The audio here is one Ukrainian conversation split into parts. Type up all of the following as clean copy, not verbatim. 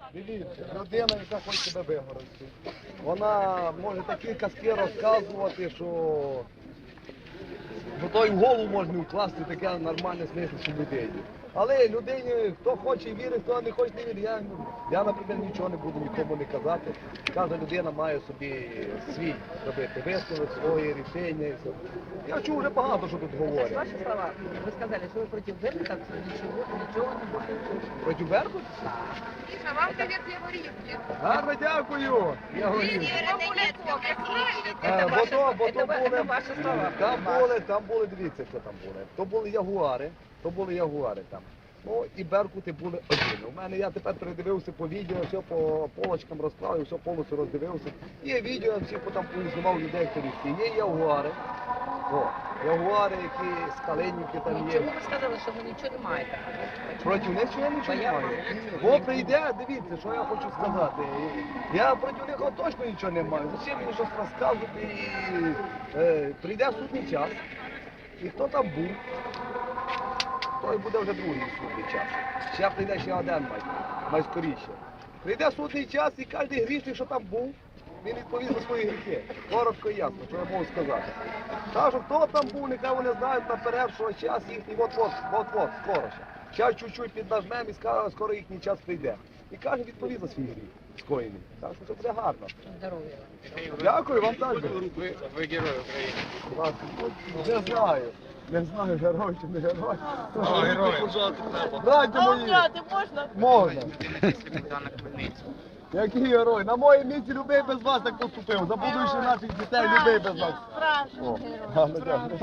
Дивіться, людина, яка хоче себе вигородити. Вона може такі казки розказувати, що то й в голову можна вкласти таке нормальне смислище людині. Але людині, хто хоче вірить, хто не хоче не вірить. Я, наприклад, нічого не буду нікому не казати. Кожна людина має собі свій робити висновок, своє рішення. І все. Я чув вже багато, що тут говорять. Ваші слова, ви сказали, що ви проти Беркута, нічого не будете. Проти Беркута? Міша, вам привіт, Яворівки. Гарно дякую. Я говорю. Це ваші слова. Там були, дивіться, що там були. То були ягуари там. Ну і беркути були один. У мене я тепер передивився по відео, все по полочкам розклав, все повністю роздивився. Є відео, всі там поіснував людей, хто всі. Є ягуари. Ягуари, які скаленники там є. Чому ви сказали, що ви нічого не маєте? Проти них що я нічого не маю. Бо прийде, дивіться, що я хочу сказати. Я проти них точно нічого не маю. Зачем мені щось розказувати? Прийде судний час. І хто там був, той буде вже другий судний час. Ще прийде ще один майскоріше. Прийде судний час і кожен грішник, що там був, він відповість за свої гріхи. Коротко і ясно, що я можу сказати. Кажу, хто там був, нехай вони знають наперед, що час їхній от-от, скоро ще. Зараз чуть-чуть піднажмемо і скоро їхній час прийде. І кожен відповість за свій гріх скоєний. Так що це буде гарно. Здоров'я. Дякую вам так. Ви герой України. Не знаю, герой чи не герой. Герой. Дайте мені. можна? Можна. Який герой? На моїй місці любий без вас так поступив. За будущих наших дітей любий без вас. Справжній Гарно, дякую.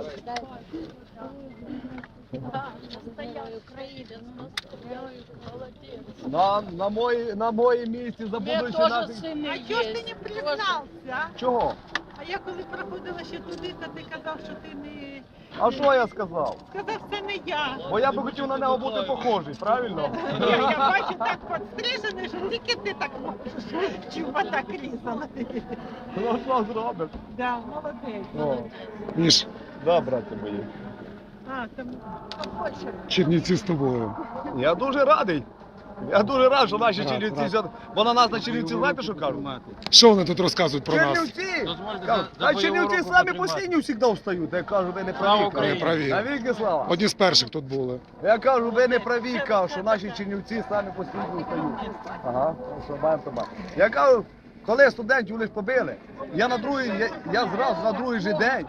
На моїй місці за будущих наших... А чого ж ти не признався? Чого? А я коли проходила ще туди, то ти казав, що ти не... А що я сказав? Сказав, це не я. Бо я би хотів на нього бути похожий, правильно? Ні, я бачу так підстрижений, що тільки ти так можеш. Чуба так різала. Ну що зробиш? Да, молодець. О. Міш, Да, браття мої. А, там побольше. Чернівці з тобою. Я дуже радий. Я дуже радий, що наші чернівці, бо на нас на чернівці, знаєте, що кажуть? Що вони тут розказують про нас? Чернівці! Кажуть, а чернівці самі постійні завжди встають. Я кажу, ви не праві. Не праві. Навіки слава. Одні з перших тут були. Я кажу, ви не праві, кажу, що наші чернівці самі постійно встають. Ага, що маємо то маємо. Я кажу, коли студентів лише побили, я зразу на другий же день.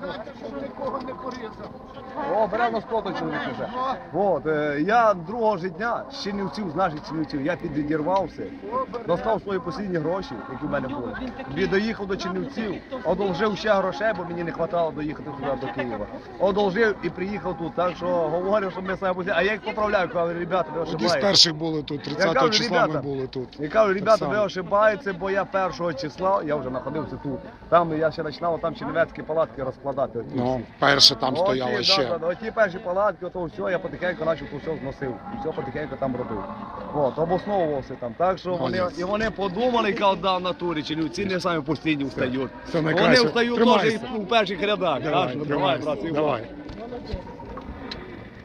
О, беремо на скоту чоловік вже. От, я другого ж дня з чернівців, з наших чернівців, я підідірвався, достав свої останні гроші, які в мене були. Доїхав до чернівців, одолжив ще грошей, бо мені не вистачало доїхати сюди до Києва. Одолжив і приїхав тут, так що говорю, що ми самі постійно. А я їх поправляю, кажу, ребята, ви Одні з ошибаєте. перших були тут, 30 кажу, числа ми ребята, були тут. Я кажу, ребята, Так ви само. ошибаєтеся, бо я 1 числа, я вже знаходився тут. Там я ще починав там чернівецькі палатки розкладати. Оті Ну, всі. перше там стояло Оті, ще. Оті перші палатки, то все, я потихеньку почав то все зносив. І все потихеньку там робив. От, обосновувався там. Так що вони подумали, кажуть, да, в натурі, чернівці не самі постійно встають. Це Вони найкраще. встають Тримайся. теж і у перших рядах. Давай, Так що, тримайся. брат, Давай. Молодець.